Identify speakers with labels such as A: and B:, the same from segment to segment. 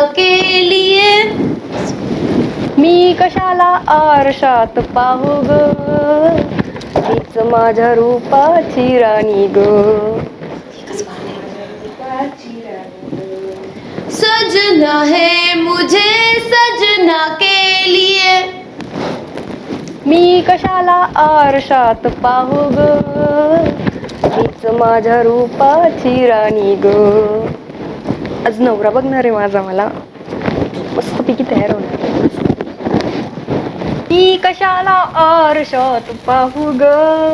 A: के लिए
B: मी कशाला आरशात पाहू ग, मीच माझ्या रूपाची राणी ग.
A: सजना है मुझे सजना के लिए.
B: मी कशाला आरशात पाहू ग, मीच माझ्या रूपाची राणी ग. आज नवरा बघणार आहे माझा, मला मस्तपैकी तयार होणार. मी कशाला आरशात पाहू ग,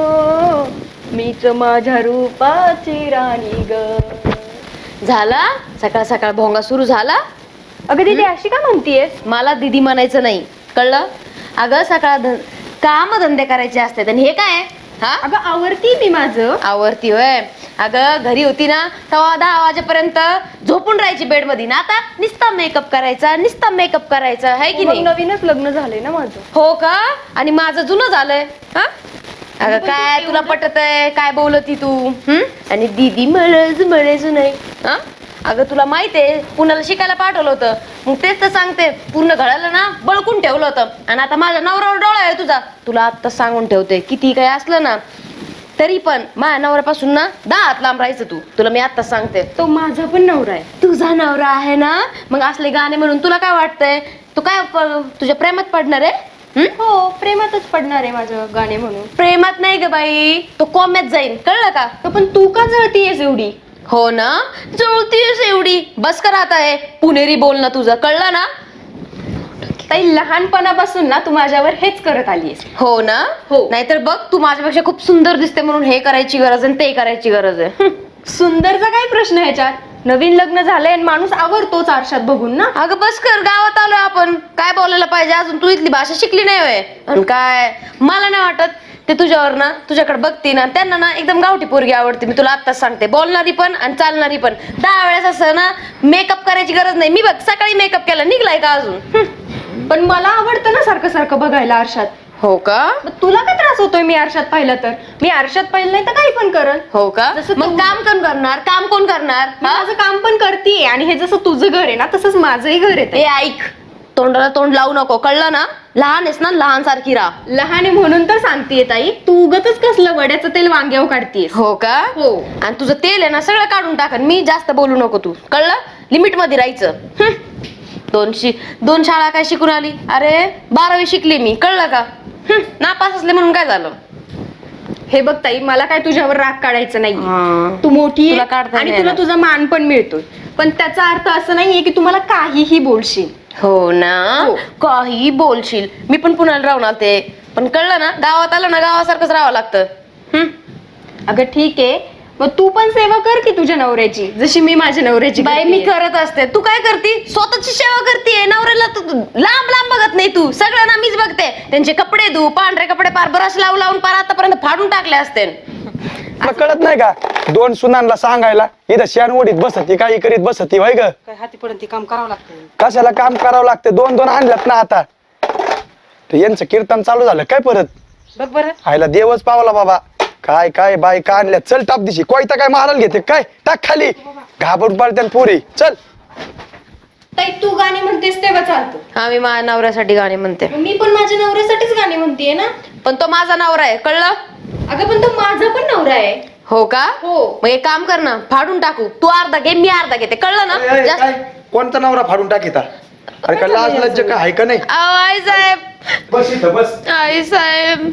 B: मीच माझ्या रूपाची राणी ग.
A: झाला सकाळ सकाळ भोंगा सुरू झाला.
B: अगं दीदी अशी का म्हणतीयस?
A: मला दीदी म्हणायचं नाही, कळलं? अगं सकाळ काम धंदे करायचे असतात आणि हे काय? हा
B: अगं आवरती मी माझं.
A: आवरती होय? अगं घरी होती ना तेव्हा 10 वाजेपर्यंत झोपून राहायची बेड मध्ये ना, आता नुसता मेकअप करायचा आहे की नाही?
B: नवीनच लग्न झालंय ना माझं.
A: हो का? आणि माझं जुनं झालंय. हा अगं काय तुला पटत आहे? काय बोलती तू? आणि दीदी मळच नाही. हा अगं तुला माहितीये पुण्याला शिकायला पाठवलं होतं, मग तेच तर सांगते, पूर्ण घराला ना बळकून ठेवलं होतं. आणि आता माझ्या नवऱ्यावर डोळा आहे तुझा. तुला आता सांगून ठेवते, किती काय असलं ना तरी पण माझ्या नवऱ्यापासून ना 10 हात लांब राहायचं तू. तुला मी आताच सांगते.
B: तो माझा पण नवरा आहे.
A: तुझा नवरा आहे ना, मग असले गाणे म्हणून तुला काय वाटतंय? तू काय तुझ्या प्रेमात पडणार आहे?
B: हो प्रेमातच पडणार आहे माझं गाणे म्हणून.
A: प्रेमात नाही ग बाई, तो कोम्यात जाईल, कळलं का?
B: पण तू का जळतीयस एवढी?
A: हो ना, जळतीयस एवढी. बस कर आता आहे पुणेरी बोलणं तुझं, कळलं ना?
B: ताई लहानपणापासून ना तू माझ्यावर हेच करत आलीयस.
A: हो ना?
B: हो.
A: नाहीतर बघ तू माझ्यापेक्षा खूप सुंदर दिसते म्हणून हे करायची गरज आहे ते करायची गरज आहे.
B: सुंदरचा काय प्रश्न ह्याच्यात? नवीन लग्न झालंय आणि माणूस आवरतोच आरशात बघून ना.
A: अगं बस कर, गावात आलोय आपण, काय बोलायला पाहिजे? अजून तू इथली भाषा शिकली नाही होय? आणि काय मला नाही वाटत ते तुझ्यावर ना, तुझ्याकडे बघते ना त्यांना ना एकदम गावठी पोरगी आवडते. मी तुला आत्ताच सांगते, बोलणारी पण आणि चालणारी पण. 10 वेळेस असं ना मेकअप करायची गरज नाही. मी बघ सकाळी मेकअप केला, निघलाय का अजून?
B: पण मला आवडतं ना सारखं सारखं बघायला आरशात.
A: हो का?
B: मग तुला काय त्रास होतोय मी आरशात पाहिलं तर? मी आरशात पाहिलं नाही तर काही पण करल.
A: हो का?
B: जसं
A: मग काम कोण करणार? काम कोण करणार?
B: मी माझं काम पण करतेय आणि हे जसं तुझं घर आहे ना तसंच माझंही घर आहे.
A: ए ऐक, तोंडाला तोंड लावू नको, कळलं ना? लहान आहेस ना, लहान सारखी राहा.
B: लहान आहे म्हणून तर सांगतेय ताई, तू उगतच कसलं वड्याचं तेल वांग्यावर काढतेस.
A: हो का?
B: हो.
A: आणि तुझं तेल आहे ना सगळं काढून टाकन मी, जास्त बोलू नको तू, कळलं? लिमिट मध्ये राहायचं. 2 शाळा काय शिकून आली? अरे 12वी शिकली मी, कळलं का? नापास असले म्हणून काय झालं?
B: हे बघ ताई, मला काय तुझ्यावर राग काढायचं नाही. तू
A: तुला
B: मोठी आहे
A: काढता
B: आणि
A: नाही
B: तुला
A: येणार.
B: तुझा मान पण मिळतोय, पण त्याचा अर्थ असं नाहीये की तुम्हाला काहीही बोलशील.
A: हो ना?
B: हो.
A: काही बोलशील. मी पण पुण्याला राहून आलते, पण कळलं ना, गावात आलं ना गावासारखंच राहावं लागतं.
B: अगं ठीक आहे, मग तू पण सेवा कर की तुझ्या नवऱ्याची, जशी मी माझ्या नवऱ्याची
A: बाई मी
B: करतेय.
A: करत असते. तू काय करती? स्वतःची सेवा करते. नवऱ्याला तू लांब लांब बघत नाही. तू सगळं ना मीच बघते. त्यांचे कपडे धू, पांढरे कपडे पार ब्रश लावून लावून पार आतापर्यंत फाडून टाकले असते.
C: तुला कळत नाही का? 2 सुनांना सांगायला इथं शेण ओढीत बसती, काही करीत बसती, व्हाय ग?
D: काय हाती पर्यंत काम करावं लागतं.
C: कशाला काम करावं लागतं? 2 आणल्यात ना आता. तर यांचं कीर्तन चालू झालं काय परत?
D: बघ बरं,
C: आयला देवच पावला बाबा. काय काय बायका आणल्या, चल टाप दिशी. कोयता काय मारायला घेते काय? टाक खाली, घाबरून पडत्यान पोरी. चल.
B: ताई तू गाणी म्हणतेस तेव्हा चालतं.
A: आम्ही माझ्या नवऱ्यासाठी गाणे म्हणते.
B: मी पण माझ्या नवऱ्यासाठीच गाणी म्हणतेय ना.
A: पण तो माझा नवरा आहे, कळलं?
B: अगं पण तो माझा पण नवरा आहे.
A: हो का?
B: हो.
A: मग एक काम कर ना, फाडून टाकू. तू अर्धा घे, मी अर्धा घेते, कळलं ना? जास्त-
C: काय कोणता नवरा फाडून टाकीता? अरे का लाज लज्ज काय आहे का नाही?
A: अहो, आई साहेब,
C: बस इथं बस.
A: आई साहेब,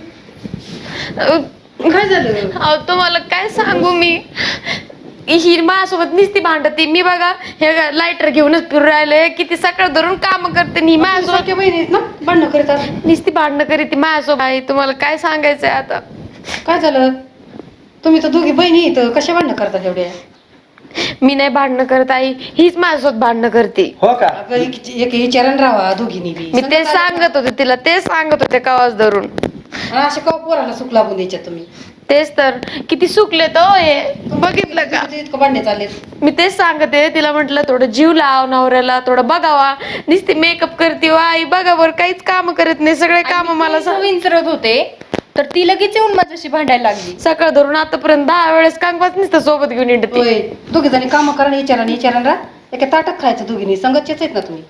B: काय झालं?
A: अहो तुम्हाला काय सांगू मी, ही माझ्यासोबत नुसती भांडती. मी बघा हे लायटर घेऊनच फिरू राहिले, किती सकाळ धरून काम करते. नी माझ्यासोबत
D: सारख्या बहिणीत ना भांडणं करतात.
A: नुसती भांडणं करीत ती माझ्यासोबत. आई तुम्हाला काय सांगायचंय आता?
D: काय झालं? तुम्ही तर दोघी बहिणी इथं कशा भांडणं करतात एवढ्या?
A: मी नाही भांडणं करत आई, हीच माझ्यासोबत भांडणं करते.
C: हो का?
D: अगं एक विचारानं राहा दोघींनी बी.
A: मी तेच सांगत होते तिला, तेच सांगत होते कवाच धरून.
D: आणि अशा का पोराला सुख लागून द्यायच्या तुम्ही?
A: तेच तर, किती सुकले तो हे बघितलं का?
D: तुझे इतकं भांडणे चालले.
A: मी तेच सांगते तिला, म्हटलं थोडं जीव लाव नवऱ्याला, थोडं बघावा. नुसती मेकअप करते वा आई, बघावर काहीच काम करत नाही, सगळे काम मला
B: विचारत होते तर ती लगेच येऊन माझ्याशी भांडायला लागली.
A: सकाळ धरून आतापर्यंत 10 वेळेस कांगवाच नुसतं सोबत घेऊन येते.
D: दोघी जणी काम करा, विचारानं राहा. एका ताटात खायचं दोघींनी संगतचेच आहेत ना तुम्ही.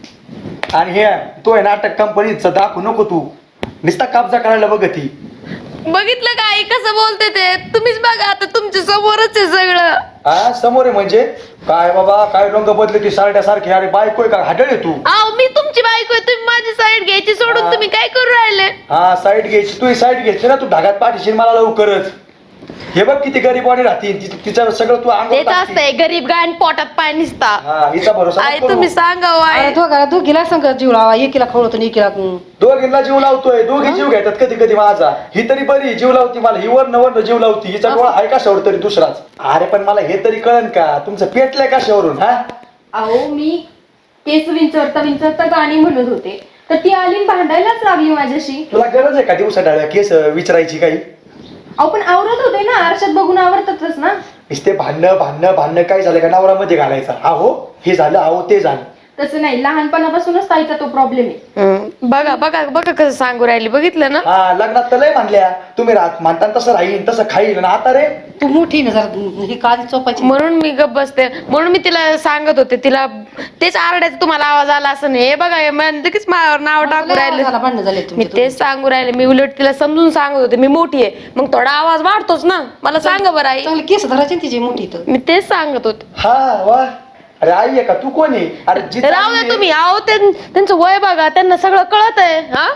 C: आणि हे तो आहे नाटक कंपनीचं दाखवू नको तू, नुसता कब्जा करायला बघ ती.
A: बघितलं का आई कसं बोलते ते? तुम्हीच बघा आता, तुमच्या समोरच आहे सगळं.
C: हा समोर आहे म्हणजे काय बाबा, काय रंग बदले की सारख्यासारखे. अरे बायको आहे का, हाडळ आहे तू.
A: अहो मी तुमची बायको आहे, तुम्ही माझी साईड घ्यायची सोडून
C: हा.
A: तुम्ही काय करू राहिले?
C: हा साईड घ्यायची, तू साईड घेतली ना, तू ढगात पाठीशील मला लवकरच. हे बघ किती गरीबवाणी राहते तिचं सगळं तू अंगावर
A: तेच
C: टाकते.
A: असतंय, गरीब गायन पोटात पाय निसता.
C: हा हिचा भरोसा
A: आई
C: नको
A: तुम्ही
C: करू.
A: सांगा हो, आई.
D: अरे दोघीला संगत जीव लावा, एकीला खवळतो आणि एकीला
C: दोघींना जीव लावतोय, दोघी जीव घेतात कधी कधी माझा. ही तरी बरी जीव लावती मला, ही वर्ण जीव लावती. हिचा डोळा आहे कशावर तरी दुसराच. अरे पण मला हे तरी कळन का तुमचं पेटलंय कशावरून? हा
B: अहो मी केस विंचरता गाणी म्हणत होते, तर ती आली आणि भांडायलाच लागली माझ्याशी.
C: तुला गरज आहे का दिवसा डाळ्या केस विचारायची काही?
B: अहो पण आवरत होते ना, आरशात बघून आवरतातच ना.
C: नुसते भांडणं काय झालं का नवरामध्ये घालायचा. आहो हे झालं, आहो ते झालं.
B: तसं नाही, लहानपणापासूनच ताईचा तो प्रॉब्लेम आहे.
A: बघा बघा बघा कसं सांगू राहिली, बघितलं ना?
C: हा लग्नात तर लय म्हणल्या तुम्ही राहत म्हणता तसं राहील तसं खाईल. आणि आता रे
D: तू मोठी ना जरा ही काळजी चोपायची.
A: म्हणून मी गप्प बसते, म्हणून मी तिला सांगत होते, तिला तेच आरडायचं तुम्हाला आवाज आला असं नाही. हे बघा हे लगेच माझ्यावर नाव टाकू राहिले.
D: भांडण झाले
A: मी तेच सांगू राहिले, मी उलट तिला समजून सांगत होते, मी मोठी आहे मग थोडा आवाज वाढतोच ना. मला सांगा बरं आई,
D: चांगली केस धरायची ना तिची मोठी तर.
A: मी तेच सांगत होते.
C: हा वा. अरे आई आहे का तू? कोण आहे? अरे जी
A: राहू
C: चांगली
A: द्या
C: आहे,
A: तुम्ही. अहो त्यांचं वय बघा, त्यांना सगळं कळत आहे. हा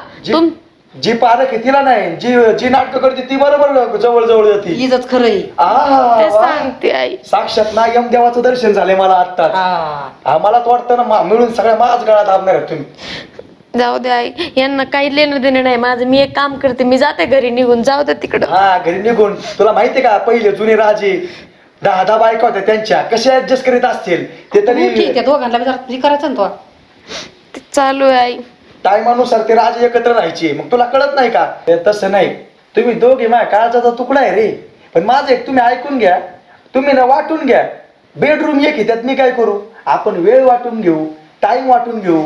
C: जी पारख आहे तिला नाही, जी नाटक करते ती बरोबर जवळ जवळ जाते.
D: इजच खरं आहे.
A: तेच
C: वा.
A: सांगते आई.
C: साक्षात ना यमदेवाचं दर्शन झालंय मला आत्ताच.
D: हा.
C: मला तर वाटतं ना मिळून सगळ्या माझ गळ्यात आणणार आहेत तुम्ही.
A: जाऊ दे आई, यांना काही लेणं देणं नाही माझं. मी एक काम करते, मी जाते घरी निघून. जाऊ दे तिकडं.
C: हा घरी निघून. तुला माहितीये का पहिले जुने राजे 10 बायका होत्या त्यांच्या, कशा ऍडजस्ट करीत असतील ते
D: मोठी
C: तरी.
D: त्या दोघांना बी जरा हे करायचं ना तो.
A: ते चालू आहे आई.
C: टायमानुसार ते राजे एकत्र राहायचे. मग तुला कळत नाही का? ते तसं नाही. तुम्ही दोघे माझ्या काळजाचा तुकडा आहे रे. पण माझं एक तुम्ही ऐकून घ्या, तुम्ही ना वाटून घ्या. बेडरूम एक आहे, त्यात मी काय करू? आपण वेळ वाटून घेऊ, टाइम वाटून घेऊ.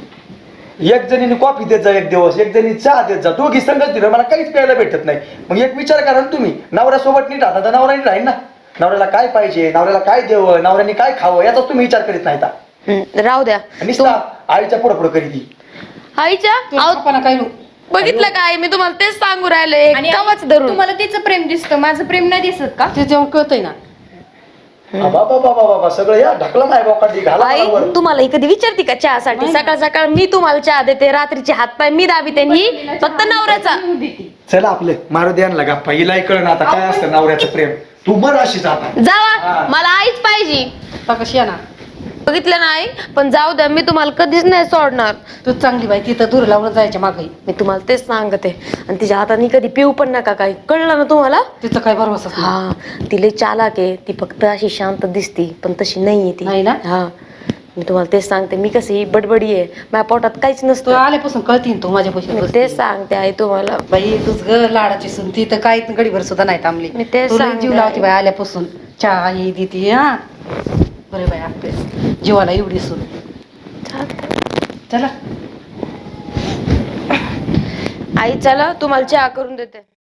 C: एक जणीने कॉफी देत जा एक दिवस, एक जणी चहा देत जा. दोघी संगत दिलं, मला काहीच प्यायला भेटत नाही. मग एक विचार करा ना तुम्ही, नवऱ्यासोबत नीट राहता तर नवरा नीट राहील ना. नवऱ्याला काय पाहिजे, नवऱ्याला काय द्यावं, नवऱ्याने काय खावं, याचा तुम्ही विचार करीत नाही का?
A: राहू द्या.
C: नुसता आईच्या पुढं पुढं करीत ती.
A: आईच्या
D: तुझ्या पप्पांना काय
A: बघितलं काय? मी तुम्हाला तेच सांगू राहिले,
B: आणि
A: कवाच धरून.
B: तुम्हाला तिचं प्रेम दिसतं, माझं प्रेम नाही दिसत का?
D: ते जेवण कळतंय ना.
C: बाबा सगळं या ढकला नाही बोकाटी घाला
A: आई
C: मला वर.
A: तुम्हाला कधी विचारते का चहासाठी? सकाळ सकाळ मी तुम्हाला चहा देते, रात्रीचे हातपाय मी दाबीते, ही फक्त नवऱ्याचा.
C: चला आपलं मारू द्या ना गप्पा. हिलाही कळ ना आता काय असतं नवऱ्याचं प्रेम. तू मर अशीच आता.
A: जावा,
C: हा.
A: मला आईच पाहिजे.
D: आता कशी आहे ना.
A: बघितलं ना आई? पण जाऊ द्या, मी तुम्हाला कधीच नाही सोडणार.
D: तू चांगली बाई, तिथं दूर लावून जायच्या मागे.
A: मी तुम्हाला तेच सांगते. आणि तिच्या हाताने कधी पिऊ पण नका काय, कळलं ना तुम्हाला?
D: तिचं काय भरवसा नाही.
A: हा ती लई चालाक आहे. ती फक्त अशी शांत दिसती पण तशी नाहीये ती.
D: नाही ना?
A: हा मी तुम्हाला तेच सांगते. मी कशी बडबडी आहे, माझ्या पोटात काहीच
D: तू
A: नसतं.
D: आल्यापासून कळतीन तू माझ्या
A: मी
D: पैसे.
A: तेच सांगते आई तुम्हाला.
D: बाई तुझ ग लाडाची सून ती तर काही गडीभर सुद्धा नाही थांबली.
A: मी तेच
D: तुला
A: सांगते
D: जीव लावती बाई आल्यापासून. चहा ही देती. हा बरे बाई आपले जीवाला एवढी सून. चला
A: आई चला, तुम्हाला चहा करून देते.